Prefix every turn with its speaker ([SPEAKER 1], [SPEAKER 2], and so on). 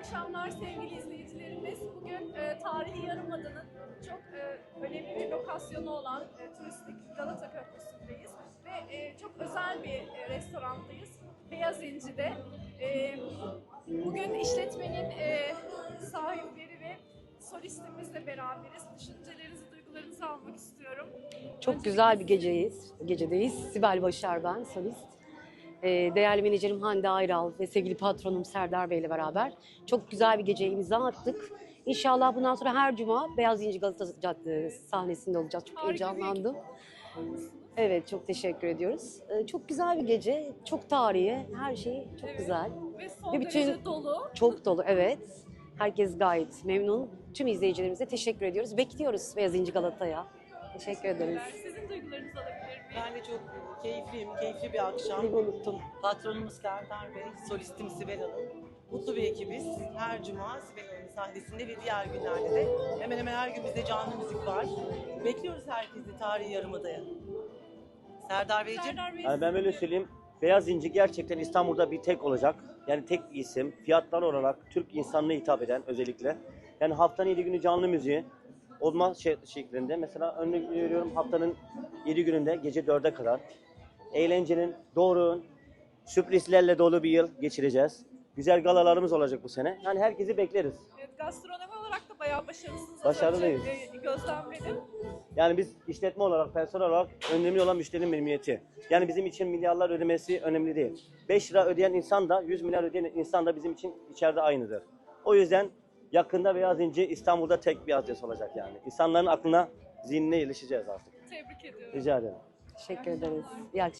[SPEAKER 1] akşamlar sevgili izleyicilerimiz. Bugün tarihi Yarımada'nın çok önemli bir lokasyonu olan turistik Galata Köprüsü'ndeyiz. Ve çok özel bir restorandayız. Beyaz İnci'de. Bugün işletmenin sahipleri ve solistimizle beraberiz. Düşüncelerinizi, duygularınızı almak istiyorum.
[SPEAKER 2] Çok güzel bir gecedeyiz. Sibel Başar ben, solist. Değerli menajerim Hande Ayral ve sevgili patronum Serdar Bey ile beraber çok güzel bir geceye imza attık. İnşallah bundan sonra her cuma Beyaz İnci Galata Caddesi sahnesinde olacağız. Çok heyecanlandım. Evet, çok teşekkür ediyoruz. Çok güzel bir gece, çok tarihi, her şey çok güzel.
[SPEAKER 1] Ve son
[SPEAKER 2] Ve bütün-
[SPEAKER 1] derece dolu.
[SPEAKER 2] Çok dolu, evet. Herkes gayet memnun. Tüm izleyicilerimize teşekkür ediyoruz. Bekliyoruz Beyaz İnci Galata'ya. Teşekkür ederiz.
[SPEAKER 1] Sizin duygularınızı alabilir miyim?
[SPEAKER 3] Ben de çok keyifliyim, keyifli bir akşam.
[SPEAKER 2] Unuttum.
[SPEAKER 3] Patronumuz Serdar Bey, solistim Sibel Hanım. Mutlu bir ekibiz. Her cuma Sibel Hanım'ın sahnesinde ve diğer günlerde de hemen hemen her gün bizde canlı müzik var. Bekliyoruz herkesi tarihi Yarımada'ya. Serdar Beyciğim.
[SPEAKER 1] Serdar Bey,
[SPEAKER 4] Yani ben öyle söyleyeyim. Beyaz İnci gerçekten İstanbul'da bir tek olacak. Yani tek bir isim. Fiyatlar olarak Türk insanına hitap eden özellikle. Yani haftanın 7 günü canlı müziği olma şeklinde. Mesela örnek veriyorum haftanın 7 gününde gece 4'e kadar. Eğlencenin, doğruğun, sürprizlerle dolu bir yıl geçireceğiz. Güzel galalarımız olacak bu sene. Yani herkesi bekleriz.
[SPEAKER 1] evet, gastronomi olarak da bayağı başarılısınız. Az
[SPEAKER 4] Başarılıyız.
[SPEAKER 1] önce, gözlemledim.
[SPEAKER 4] Yani biz işletme olarak, personel olarak önemli olan müşterinin memnuniyeti. Yani bizim için milyarlar ödemesi önemli değil. 5 lira ödeyen insan da 100 milyar ödeyen insan da bizim için içeride aynıdır. O yüzden yakında Beyaz İnci İstanbul'da tek bir adres olacak yani. İnsanların aklına, zihnine ilişeceğiz artık.
[SPEAKER 1] Tebrik ediyorum.
[SPEAKER 4] Rica ederim.
[SPEAKER 2] Teşekkür ederiz. İyi akşamlar.